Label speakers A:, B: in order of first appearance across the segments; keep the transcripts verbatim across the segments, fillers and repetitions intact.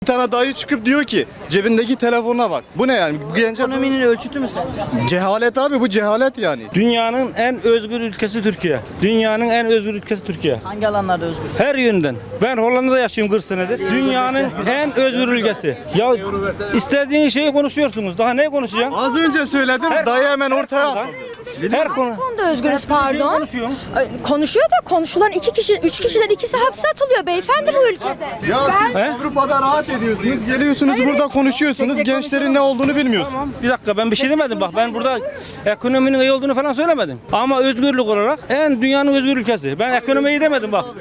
A: Bir tane dayı çıkıp diyor ki cebindeki telefonuna bak. Bu ne yani? Bu gence
B: Ekonominin ölçütü mü sence?
A: cehalet abi, bu cehalet yani.
C: Dünyanın en özgür ülkesi Türkiye. Dünyanın en özgür ülkesi Türkiye.
B: Hangi alanlarda özgür?
C: Her yönden. Ben Hollanda'da yaşıyorum kırk senedir. Dünyanın en özgür ülkesi. Ya istediğin şeyi konuşuyorsunuz. Daha ne konuşacağım?
A: Az önce söyledim,
C: Her-
A: dayı hemen ortaya attı.
C: Her konu.
D: konuda özgürüz pardon.
C: Konuşuyorum.
D: Ay, Konuşuyor da konuşulan iki kişi, üç kişiden ikisi hapse atılıyor beyefendi bu ülkede.
A: Ya siz
C: He?
A: Avrupa'da rahat ediyorsunuz, geliyorsunuz burada konuşuyorsunuz, gençlerin ne olduğunu bilmiyorsunuz.
C: Bir dakika, ben bir şey demedim bak, ben burada ekonominin iyi olduğunu falan söylemedim. Ama özgürlük olarak en dünyanın özgür ülkesi. Ben ekonomiyi demedim bak.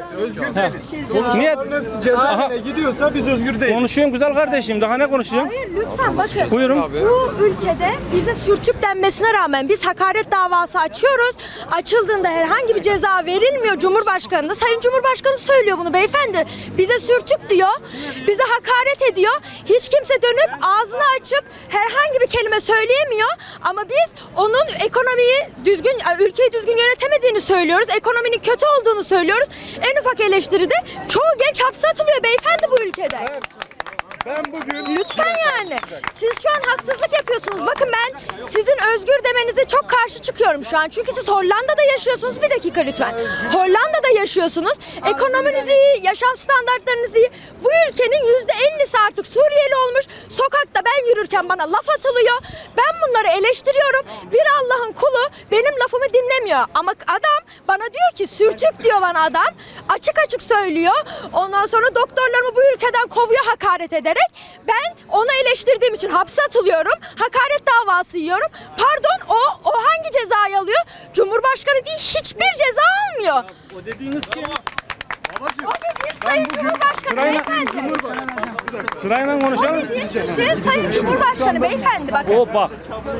C: Niye?
A: Cezaevine gidiyorsa biz özgür değiliz.
C: Konuşuyorum güzel kardeşim, daha ne konuşacağım?
D: Hayır lütfen bakın.
C: Buyurun.
D: Bu ülkede bize sürtük denmesine rağmen biz hakaret davası açıyoruz. Açıldığında herhangi bir ceza verilmiyor Cumhurbaşkanı'na. Sayın Cumhurbaşkanı söylüyor bunu beyefendi. Bize sürtük diyor. Bize hakaret ediyor. Hiç kimse dönüp ağzını açıp herhangi bir kelime söyleyemiyor. Ama biz onun ekonomiyi düzgün, ülkeyi düzgün yönetemediğini söylüyoruz. Ekonominin kötü olduğunu söylüyoruz. En ufak eleştiride çoğu genç hapse atılıyor beyefendi bu ülkede.
A: Ben bugün
D: Lütfen yani. Siz şu an haksızlık yapıyorsunuz. Bakın ben sizin özgür demenize çok karşı çıkıyorum şu an. Çünkü siz Hollanda'da yaşıyorsunuz. Bir dakika lütfen. Hollanda'da yaşıyorsunuz. Ekonominiz iyi, yaşam standartlarınız iyi. Bu ülkenin yüzde ellisi artık Suriyeli olmuş. Sokakta ben yürürken bana laf atılıyor. Ben bunları eleştiriyorum. Bir Allah'ın kulu benim lafımı dinlemiyor. Ama adam bana diyor ki sürtük diyor bana adam. Açık açık söylüyor. Ondan sonra doktorlarımı bu ülkeden kovuyor hakaret ederek. Ben onu eleştirdiğim için hapse atılıyorum. Hakaret davası yiyorum. Pardon, o o hangi cezayı alıyor? Cumhurbaşkanı değil, hiçbir ceza almıyor.
C: O dediğiniz kim?
D: O dediğim Sayın Cumhurbaşkanı
C: Sırayla-
D: beyefendi.
C: Sırayla konuşalım.
D: Dediğim kişi Sayın Cumhurbaşkanı beyefendi bakın.
C: O bak.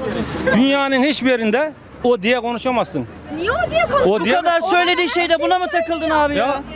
C: Dünyanın hiçbir yerinde o diye konuşamazsın.
D: Niye o diye konuşuyor?
C: O
B: Bu
C: diye
B: kadar söylediği şeyde buna mı takıldın abi ya?
C: ya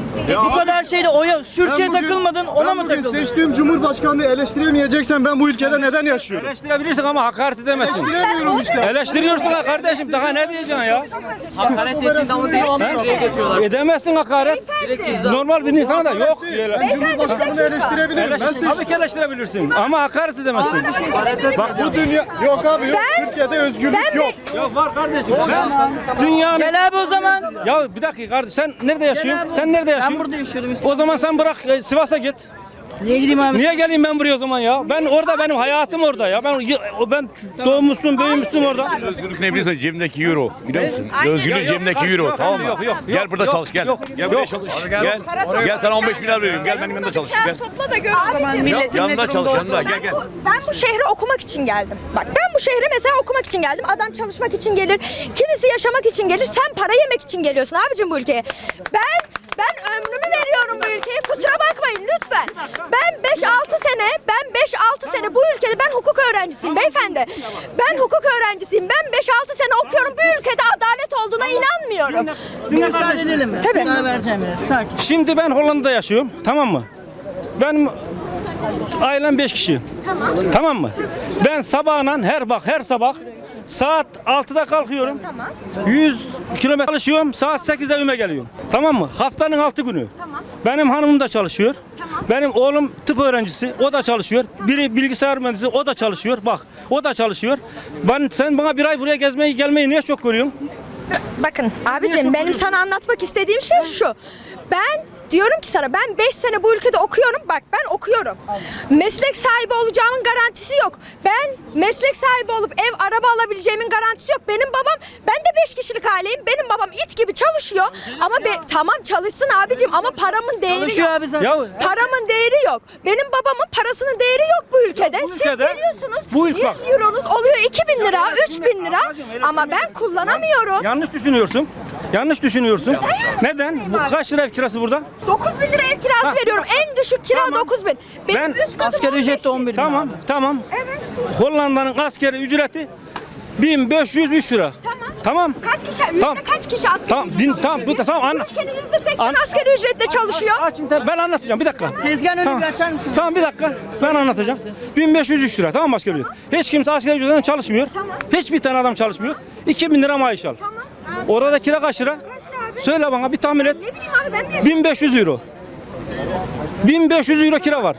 B: Bu kadar şeyde oya sürtüye
A: Ben bugün-
B: takılmadın, ona
A: ben
B: mı
A: bugün
B: takıldın?
A: seçtiğim Cumhurbaşkanlığı eleştiremeyeceksen ben bu ülkede neden yaşıyorum?
C: eleştirebilirsin ama hakaret edemezsin.
A: Eleştiremiyorum işte.
C: Eleştiriyorsun ha kardeşim, daha ne diyeceksin ya?
E: Hakaret ettiğin zaman direkt şuraya getiriyorlar.
C: Edemezsin hakaret. Normal bir insana da yok.
A: Cumhurbaşkanını eleştirebilirim. Ben
C: Eleştir,
A: seçtim.
C: tabii ki eleştirebilirsin ama hakaret edemezsin.
A: Bak bu dünya yok abi, yok. Türkiye'de özgürlük yok.
C: Ya var kardeşim. Dünyanın...
B: Gel abi o zaman.
C: Ya bir dakika kardeş, sen nerede yaşıyorsun?
B: abi.
C: Sen nerede
B: Ben
C: yaşıyorsun?
B: burada yaşıyorum.
C: O zaman sen bırak e, Sivas'a git.
B: Niye gideyim abi?
C: Niye geleyim ben buraya o zaman ya? Ben orada, benim hayatım orada ya. Ben ben doğmuşsun, büyümüşsün orada.
F: Özgürlük ne bilirsin, cebimdeki euro. Biliyor musun?
C: Ya
F: Özgürlük
C: yok,
F: cebimdeki
C: yok,
F: euro,
C: yok,
F: tamam mı?
C: yok, yok,
F: Gel
C: yok,
F: burada
C: yok,
F: çalış, gel.
C: yok,
F: Gel
C: yok.
F: buraya çalış. Gel. Gel sana on beş milyar veriyorum. Gel benim yanımda çalış. Gel.
G: Topla da gör o zaman milletin ne
F: Yanında
G: durumda
F: çalış,
G: olduğunu.
F: yanında. Gel gel.
D: Ben bu şehre okumak için geldim. Bak ben bu şehre mesela okumak için geldim. Adam çalışmak için gelir. Kimisi yaşamak için gelir. Sen para yemek için geliyorsun abicim bu ülkeye. Ben ben ömrümü veriyorum bu ülkeye. Kusura bakmayın lütfen. Ben beş altı sene, ben beş altı sene bu ülkede ben hukuk öğrencisiyim beyefendi. Ben hukuk öğrencisiyim. Ben beş altı sene okuyorum. Bu ülkede adalet olduğuna inanmıyorum.
B: Bir müsaade edelim mi?
D: Tabii.
B: Karar vereceğim ya. Sakin.
C: Şimdi ben Hollanda'da yaşıyorum, tamam mı? Ben ailem beş kişi.
D: Tamam.
C: Tamam mı? Ben sabahla her bak her sabah saat altıda kalkıyorum.
D: Tamam.
C: yüz kilometre çalışıyorum. Saat sekizde evime geliyorum. Tamam mı? Haftanın altı günü.
D: Tamam.
C: Benim hanımım da çalışıyor.
D: Tamam.
C: Benim oğlum tıp öğrencisi. O da çalışıyor. Biri bilgisayar mühendisi. O da çalışıyor. Bak, o da çalışıyor. Ben sen bana bir ay buraya gezmeyi gelmeyi niye çok görüyorsun?
D: Bakın abicim benim sana anlatmak istediğim şey şu. Ben diyorum ki sana ben beş sene bu ülkede okuyorum. Bak ben okuyorum. Meslek sahibi olacağımın garantisi yok. Ben meslek sahibi olup ev araba alabileceğimin garantisi yok. Benim babam, ben de beş kişilik aileyim. Benim babam it gibi çalışıyor. Ama be, tamam çalışsın abicim ama paramın değeri
B: Çalışıyor
D: yok.
B: abi zaten.
C: Ya
D: Paramın değeri yok. Benim babamın parasının değeri yok bu ülkede.
C: bu
D: Siz
C: ülkede-
D: geliyorsunuz
C: bu ülke-
D: yüz euronuz oluyor iki bin lira,
C: Ya
D: üç bin lira
C: ablacığım, öyle
D: ama ben
C: düşünmeyin.
D: kullanamıyorum.
C: yanlış düşünüyorsun. Yanlış düşünüyorsun. Neden?
D: düşünmeyeyim
C: Bu
D: abi.
C: kaç lira ev kirası burada?
D: dokuz bin lira ev kirası
C: Ha.
D: veriyorum. En düşük kira
C: Tamam.
D: dokuz bin. Benim
C: Ben-
D: üst katım
B: Asgari
D: on beş
B: ücret de on
D: bin.
B: bir bin.
C: Tamam,
B: abi.
C: tamam.
D: Evet.
C: Hollanda'nın askeri ücreti bin beş yüz üç lira.
D: Tamam.
C: Tamam.
D: Kaç kişi, yüzde
C: Tamam.
D: kaç kişi asgari
C: Tamam,
D: ücret
C: din,
D: çalışıyor?
C: tamam, bu da tamam anla.
D: Ülkenin yüzde seksen
C: An-
D: asgari ücretle çalışıyor.
C: Aç internet, ben anlatacağım bir dakika.
B: Tezgahın önünü
C: Tamam.
B: bir açar mısın?
C: Tamam bir dakika, ben anlatacağım. bin beş yüz üç lira, tamam mı asgari ücret? Hiç kimse asgari ücretten çalışmıyor.
D: Tamam.
C: Hiçbir tane adam çalışmıyor. iki bin lira maaş al.
D: Tamam.
C: Orada kira kaç lira?
D: Kaç lira abi?
C: Söyle bana bir tahmin et.
D: Ne bileyim abi ben de
C: bin beş yüz euro. bin beş yüz euro kira var.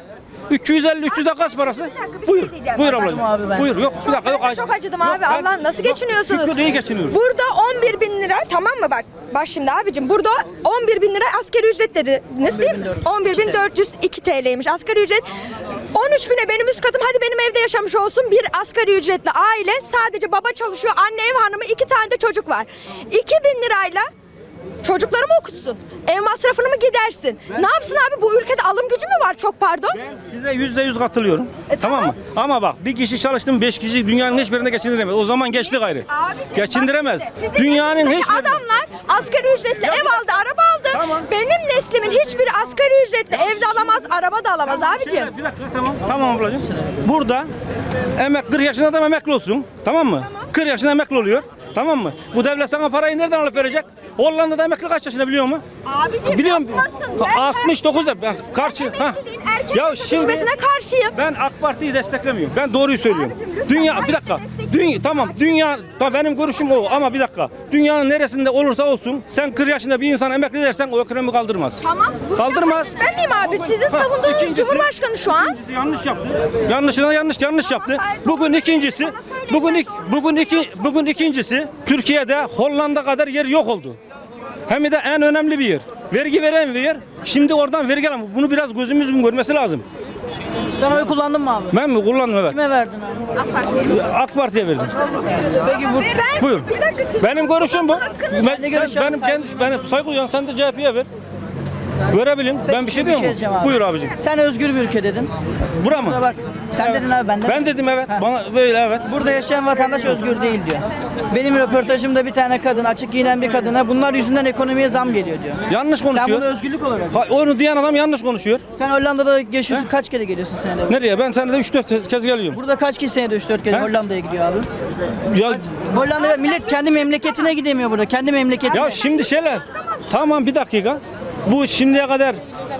C: üç yüz elli üç yüz de kaç parası? Buyur. Buyur ablacığım.
B: abi ben.
C: Buyur. Yok bir dakika yok.
D: Ben çok acıdım
C: Yok,
D: abi.
C: ben-
D: Allah nasıl geçiniyorsunuz?
C: Şükür iyi geçiniyoruz.
D: Burada on bir bin lira tamam mı bak. Bak şimdi abicim burada on bir bin lira asgari ücret dediniz değil mi? on bir bin dört yüz iki T L'ymiş asgari ücret. on üç bine benim üst katım hadi benim evde yaşamış olsun bir asgari ücretli aile sadece baba çalışıyor anne ev hanımı iki tane de çocuk var. iki bin lirayla çocuklarımı okutsun. Ev masrafını mı gidersin? Ne yapsın abi bu ülkede alım gücü mü var çok pardon?
C: Ben size yüzde yüz katılıyorum.
D: E,
C: tamam.
D: tamam.
C: mı? Ama bak bir kişi çalıştı mı beş kişi dünyanın hiçbirinde geçindiremez. O zaman geçti gayrı.
D: Abicim,
C: Geçindiremez.
D: bak işte, sizin
C: Dünyanın
D: yaşınızdaki
C: hiçbirinde.
D: adamlar asgari ücretle
C: Ya
D: ev
C: bir dakika.
D: aldı, araba aldı.
C: Tamam.
D: Benim neslimin hiçbiri asgari ücretle evde alamaz, araba da alamaz abicim.
C: Şöyle, bir dakika tamam. Tamam ablacığım. Burada emek kırk yaşında adam emekli olsun. Tamam mı? kırk yaşında emekli oluyor. Tamam mı? Bu devlet sana parayı nereden alıp verecek? Hollanda'da emekli kaç yaşında biliyor musun?
D: Abicim
C: Biliyorum.
D: yapmasın. Ben
C: altmış dokuzda ben karşı. Ha.
D: erkeğin
C: Ya şimdi
D: çalışmasına karşıyım.
C: ben AK Parti'yi desteklemiyorum. Ben doğruyu söylüyorum.
D: Abicim, lütfen
C: Dünya
D: hangi
C: bir dakika.
D: destekliyorsun?
C: Dünya tamam dünya tamam benim görüşüm o ama bir dakika. Dünyanın neresinde olursa olsun sen kırk yaşında bir insan emekli dersen o ekonomi kaldırmaz.
D: Tamam. bu
C: Kaldırmaz.
D: yapmayın. Ben miyim abi? Sizin
C: Ha,
D: savunduğunuz
C: ikincisi-
D: Cumhurbaşkanı şu an.
C: İkincisi yanlış yaptı. Yanlışına yanlış yanlış yaptı. Bugün ikincisi bugün ik, bugün iki bugün ikincisi Türkiye'de Hollanda kadar yer yok oldu. Hem de en önemli bir yer. Vergi veren bir yer. Şimdi oradan vergi alamıyor. Bunu biraz gözümüzün görmesi lazım.
B: Sen oy kullandın mı abi?
C: Ben mi kullandım evet.
B: Kime verdin abi?
C: AK Parti'ye verdim.
B: Peki bu
D: Ben,
C: Buyur.
D: bir dakika, siz-
C: Benim görüşüm bu. Ben,
B: Ne görüş
C: benim
B: abi?
C: kendi benim saygı duyuyorum. Sen de C H P'ye ver. Verebilin. Ben bir şey diyor
B: diyeceğim
C: mu?
B: abi.
C: Buyur abicim.
B: Sen özgür bir ülke dedin.
C: Bura mı?
B: Buna bak. Sen
C: Evet.
B: dedin abi ben de.
C: Ben dedim evet.
B: Ha.
C: Bana böyle evet.
B: Burada yaşayan vatandaş özgür değil diyor. Benim röportajımda bir tane kadın, açık giyinen bir kadına bunlar yüzünden ekonomiye zam geliyor diyor.
C: Yanlış
B: Sen
C: konuşuyor.
B: bunu özgürlük olarak.
C: Ha, onu diyen adam yanlış konuşuyor.
B: Sen Hollanda'da yaşıyorsun. Kaç kere geliyorsun senede?
C: Nereye? Ben senede üç dört kez geliyorum.
B: Burada kaç kişi senede üç dört kere
C: He?
B: Hollanda'ya gidiyor abi?
C: Ya,
B: Hollanda'ya millet kendi memleketine gidemiyor burada. Kendi memleketine.
C: ya şimdi şeyler. Tamam bir dakika. Bu şimdiye kadar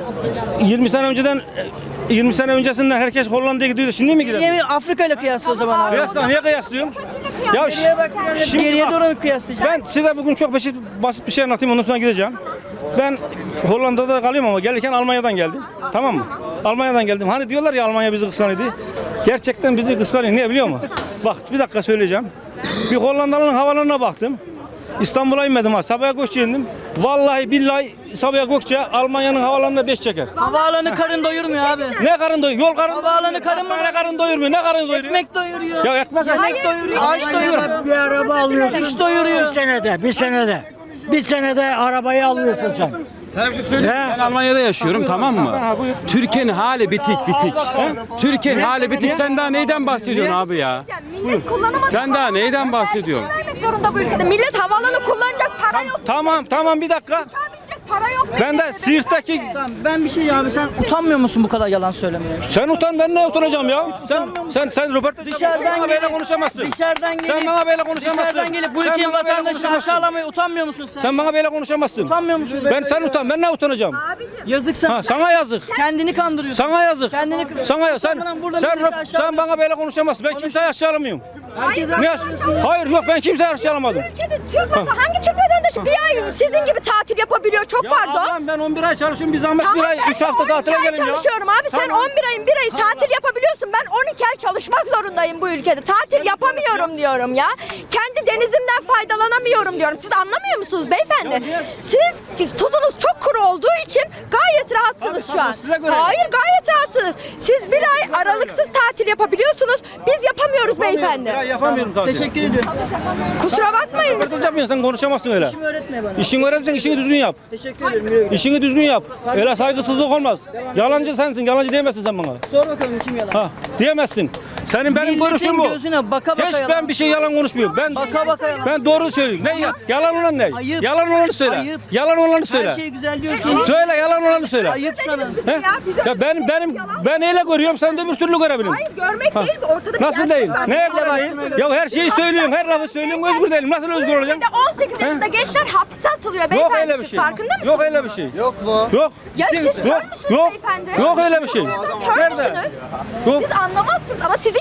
C: yirmi sene önceden yirmi sene öncesinden herkes Hollanda'ya gidiyordu. Şimdi mi gidelim?
B: Niye Afrika ile kıyasla o zaman abi?
C: Kıyasla niye kıyaslıyorum? Ya
B: Geriye bak biraz
C: şimdi
B: geriye
C: bak,
B: doğru mu kıyaslayacaksın?
C: ben size bugün çok basit, basit bir şey anlatayım ondan sonra gideceğim. Ben Hollanda'da kalıyorum ama gelirken Almanya'dan geldim. Tamam mı? Almanya'dan geldim. Hani diyorlar ya Almanya bizi kıskanıyordu. Gerçekten bizi kıskanıyor. Niye biliyor musun? Bak bir dakika söyleyeceğim. Bir Hollandalı'nın havalarına baktım. İstanbul'a inmedim ha. Sabiha Gökçe'ye indim. Vallahi billahi Sabiha Gökçe Almanya'nın havalarına beş çeker.
B: Havaalanı karın doyurmuyor abi.
C: Ne karın doyuyor? Yol karın
B: Havaalanı karın mı?
C: Ne karın doyurmuyor? Ne karın doyuruyor?
B: Ekmek doyuruyor.
C: Ya ekmek
B: Yemek doyuruyor. Ağaç doyuruyor.
G: Bir araba alıyorsun.
B: Hiç doyuruyor.
G: Bir senede, bir senede. Bir senede arabayı alıyorsun sen.
H: Sana bir şey söyleyeyim mi? Ben Almanya'da yaşıyorum tamam mı? Türkiye'nin hali bitik bitik. Türkiye'nin hali bitik. Sen daha neyden bahsediyorsun abi ya?
D: Millet kullanamadı.
H: Sen daha neyden bahsediyorsun?
D: Vermek zorunda bu ülkede. Millet havaalanı kullanacak para yok.
C: Tamam tamam bir dakika.
D: Uçağa binecek para yok.
C: Ben de
D: memlekette.
C: Siirt'teki
B: Tamam, ben bir şey abi sen utanmıyor musun bu kadar yalan söylemeye?
C: sen utan ben ne utanacağım ya? Sen sen sen röportaj
B: Dışarıdan
C: bana böyle
B: gelip
C: konuşamazsın.
B: Dışarıdan gelip
C: Sen bana böyle konuşamazsın.
B: Dışarıdan gelip bu
C: Sen
B: ülkenin
C: bana böyle
B: vatandaşını
C: konuşamazsın.
B: aşağılamaya utanmıyor musun sen?
C: Sen bana böyle konuşamazsın.
B: Utanmıyor musun?
C: Ben sen utan ben ne utanacağım?
B: Yazık sana.
C: Ha sana yazık.
B: Kendini kandırıyorsun.
C: Sana yazık.
B: Kendini
C: Sana ya sen
B: Utanmadan burada
C: sen
B: milleti
C: röp-
B: aşağılıyorsun.
C: sen bana böyle konuşamazsın. Ben kimseyi aşağılamıyorum.
B: Herkes
C: Ne yaş- Hayır yok ben kimseyi aşağılamadım.
D: Ülkede Türk vatandaşı, hangi Türk vatandaşı bir ay sizin gibi tatil yapabiliyor? Çok
C: Ya
D: pardon.
C: ablam ben on bir ay çalışıyorum bir zahmet
D: Tamam,
C: bir ay
D: ben
C: üç
D: de
C: hafta
D: on iki
C: tatile
D: ay
C: gelin ya.
D: çalışıyorum abi. Sen
C: Tamam.
D: on bir ayın bir ayı tatil yapabiliyorsun. Ben on iki ay çalışmak zorundayım bu ülkede. Tatil yapamıyorum diyorum ya. Kendi denizimden faydalanamıyorum diyorum. Siz anlamıyor musunuz beyefendi? Siz tuzunuz çok kuru olduğu için gayet rahatsınız
C: Tabii,
D: şu an.
C: tabii, size göre.
D: Hayır gayet rahatsınız. Siz bir ay aralıksız tatil yapabiliyorsunuz. Biz yapamıyoruz
C: Ya
D: beyefendi.
C: yapamıyorum tatil.
B: Teşekkür ediyorum.
D: Kusura bakmayın.
C: Röportaj yapmıyorsun sen konuşamazsın öyle.
B: İşimi öğretme bana.
C: İşini öğreneceksin işini düzgün yap.
B: Teşekkür ederim. Güle güle.
C: İşini düzgün yap. Öyle saygısızlık olmaz. Yalancı sensin. Yalancı diyemezsin sen bana.
B: Sor bakalım kim yalan.
C: Ha, diyemezsin. Senin benim
B: Milletin
C: görüşüm bu.
B: gözüne baka baka
C: Hiç
B: yalan.
C: ben bir şey yalan konuşmuyorum. Ben
B: Baka baka yalan.
C: Ben doğru söylüyorum. Ne ya? Yalan olan ne?
B: Ayıp.
C: Yalan olanı söyle.
B: Ayıp.
C: Yalan olanı söyle.
B: Her şey güzel diyorsun.
C: Söyle yalan olanı söyle.
B: Ayıp sana.
C: He? Ya ben benim ben öyle görüyorum sen de bir türlü görebilin.
D: Hayır görmek değil ki ortada bir
C: Nasıl
D: gerçek
C: değil?
D: var.
C: Neye
B: Bile
C: göre
B: baktın
C: değil?
B: öyle.
C: Ya her şeyi söylüyorsun, her lafı söylüyorsun, özgür değilim. Nasıl özgür olacağım?
D: Ülkede on sekiz yaşında gençler hapse atılıyor
C: Yok
D: beyefendi.
C: öyle bir
D: Siz
C: şey.
D: farkında mısınız?
C: Yok öyle bir şey. Yok mu? Yok.
D: Ya siz kör
C: Yok.
D: müsünüz
C: Yok.
D: beyefendi?
C: Yok öyle bir şey.
D: Kör
C: Nerede?
D: müsünüz?
C: Yok.
D: Siz anlamazsınız ama sizin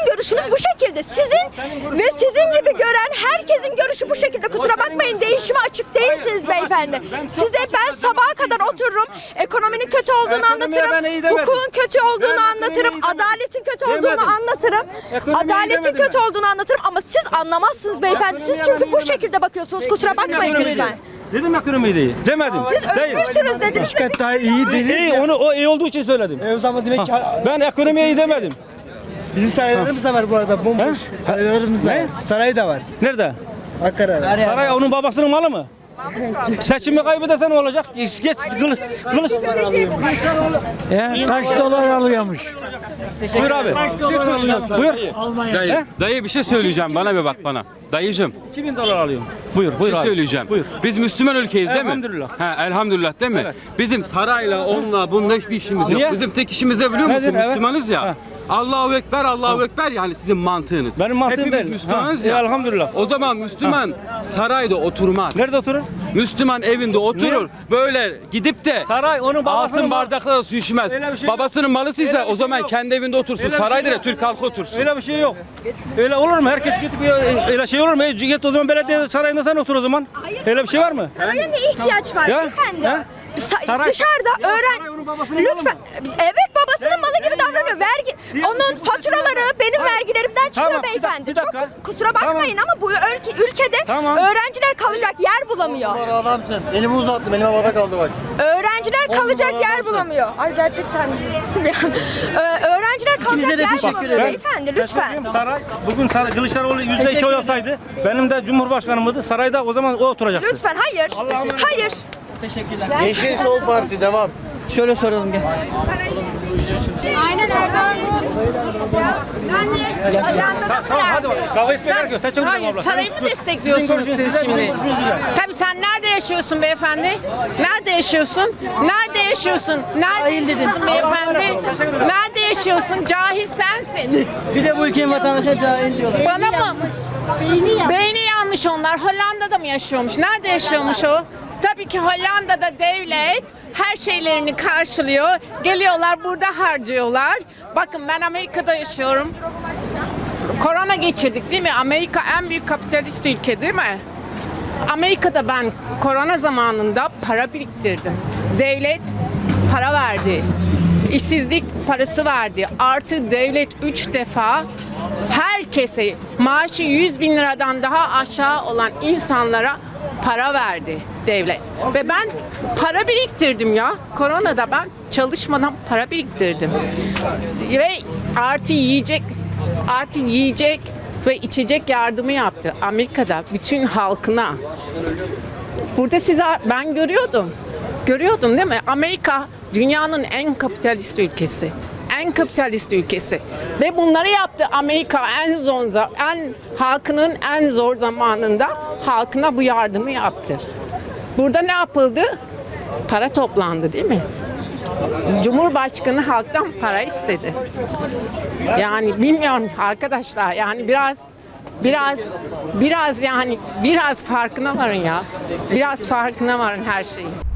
D: Sizin görüşünüz bu şekilde. Sizin ve sizin gibi gören herkesin görüşü bu şekilde. Kusura bakmayın, değişime açık değilsiniz beyefendi. Size ben sabaha kadar otururum. Ekonominin kötü olduğunu
C: Ekonomiye ben iyi
D: anlatırım.
C: demedim.
D: Hukukun kötü olduğunu
C: Ben ekonomiyi
D: anlatırım.
C: iyi demedim.
D: Adaletin kötü olduğunu
C: Demedim.
D: anlatırım.
C: Ekonomiyi iyi
D: Adaletin
C: demedim
D: kötü
C: ben.
D: olduğunu anlatırım ama siz anlamazsınız beyefendi. Siz
C: Ekonomiyi
D: çünkü
C: ben
D: bu
C: iyi
D: şekilde bakıyorsunuz. Kusura bakmayın
C: Ekonomiyi
D: lütfen.
C: Dedim ekonomi değil. Demedim.
D: Siz
C: Değil.
D: özgürsünüz dediniz. ve-
A: daha iyi
C: İyi, onu o iyi olduğu için söyledim.
A: E o zaman demek ki
C: Ben ekonomiye iyi demedim.
A: bizim saraylarımız da var bu arada bomboş. Saraylarımız da var. Saray da var.
C: Nerede?
A: Ankara'da.
C: Saray onun babasının malı mı? Seçimi kaybedersen ne olacak? Geç, geç kılıç. kılıç.
G: He, kaç dolar alıyormuş?
C: Buyur abi. Buyur.
H: Dayı, dayı bir şey söyleyeceğim, bana bir bak bana. Dayıcım,
C: iki bin dolar alıyorum. Buyur,
H: bir
C: buyur
H: şey
C: abi.
H: söyleyeceğim.
C: Buyur.
H: Biz Müslüman ülkeyiz değil mi?
C: Elhamdülillah.
H: He, elhamdülillah değil mi?
C: Evet.
H: Bizim sarayla, onunla, bununla hiçbir işimiz yok.
C: Niye?
H: Bizim tek işimiz ne biliyor musun?
C: Nedir? Evet.
H: Müslümanız ya.
C: Ha.
H: Allahu Ekber, Allahu Ekber yani sizin mantığınız.
C: Benim mantığım
H: Hepimiz
C: değil.
H: Müslümanız
C: Ha,
H: ya.
C: e, elhamdülillah.
H: O zaman Müslüman sarayda oturmaz.
C: Nerede oturur?
H: Müslüman evinde oturur.
C: Niye?
H: Böyle gidip de
C: Saray onun babasının
H: altın
C: malı.
H: bardaklarla su içmez.
C: Öyle bir şey yok.
H: Babasının malısıysa
C: Öyle bir
H: o zaman
C: şey yok.
H: kendi evinde otursun.
C: Öyle bir şey
H: Sarayda da
C: yok.
H: Türk halkı otursun.
C: Öyle bir şey yok. Öyle olur mu? Herkes gidip öyle şey olur mu? E, git o zaman belediye sarayında sen otur o zaman. Öyle bir şey var mı?
D: Saraya ne ihtiyaç var
C: Ya?
D: beyefendi?
C: Ha?
D: Sa-
C: Saray-
D: dışarıda
C: saray
D: öğren
C: onun babasının malı
D: lütfen. Evet, babasının malı gibi davranıyor. Vergi onun faturaları benim
C: Tamam.
D: vergilerimden çıkıyor
C: Tamam, bir dakika,
D: beyefendi.
C: bir
D: Çok
C: dakika.
D: kus- kusura bakmayın ama bu ülke, ülkede
C: Tamam.
D: öğrenciler kalacak yer bulamıyor.
A: Adamsın. Elimi uzattım. Elime havada kaldı bak.
D: Öğrenciler kalacak
A: numara
D: yer
A: adamsın.
D: bulamıyor. Ay gerçekten. Ee, öğrenciler kalacak
B: İkinize de
D: yer
B: teşekkür
D: bulamıyor
B: ederim.
D: beyefendi lütfen.
C: Saray, bugün saray, Kılıçdaroğlu yüzde iki oy alsaydı, benim de Cumhurbaşkanımdı. Sarayda o zaman o oturacaktı.
D: Lütfen hayır. Hayır.
B: Teşekkürler.
A: Yeşil Sol Parti devam.
B: Şöyle soralım gel.
D: Aynen Erdoğan.
C: Ta- tamam hadi bak. Kavga etmeye gerek yok. Teşekkür ederim
I: Hayır,
C: abla.
I: sarayı mı
C: Sizin
I: destekliyorsunuz
C: görüşünüz
I: siz
C: güzel, bizim
I: şimdi?
C: görüşümüz güzel.
I: Tabii sen nerede yaşıyorsun beyefendi? Nerede yaşıyorsun? Nerede yaşıyorsun? Nerede
B: Cahil dedin.
I: yaşıyorsun beyefendi? Nerede yaşıyorsun? Cahil sensin.
B: Bir de bu ülkenin vatandaşına cahil diyorlar.
I: Bana mı? Beyni yanmış onlar. Hollanda'da mı yaşıyormuş? Nerede yaşıyormuş o? Tabii ki Hollanda'da devlet her şeylerini karşılıyor. Geliyorlar burada harcıyorlar. Bakın ben Amerika'da yaşıyorum. Korona geçirdik değil mi? Amerika en büyük kapitalist ülke değil mi? Amerika'da ben korona zamanında para biriktirdim. Devlet para verdi. İşsizlik parası verdi. Artı devlet üç defa herkese maaşı yüz bin liradan daha aşağı olan insanlara para verdi devlet. Ve ben para biriktirdim ya. Koronada ben çalışmadan para biriktirdim. Ve artı yiyecek artı yiyecek ve içecek yardımı yaptı Amerika'da bütün halkına. Burada size ben görüyordum. Görüyordum değil mi? Amerika dünyanın en kapitalist ülkesi. En kapitalist ülkesi. Ve bunları yaptı Amerika en zor en halkının en zor zamanında halkına bu yardımı yaptı. Burada ne yapıldı? Para toplandı değil mi? Cumhurbaşkanı halktan para istedi. Yani bilmiyorum arkadaşlar yani biraz biraz biraz yani biraz farkına varın ya. Biraz farkına varın her şeyin.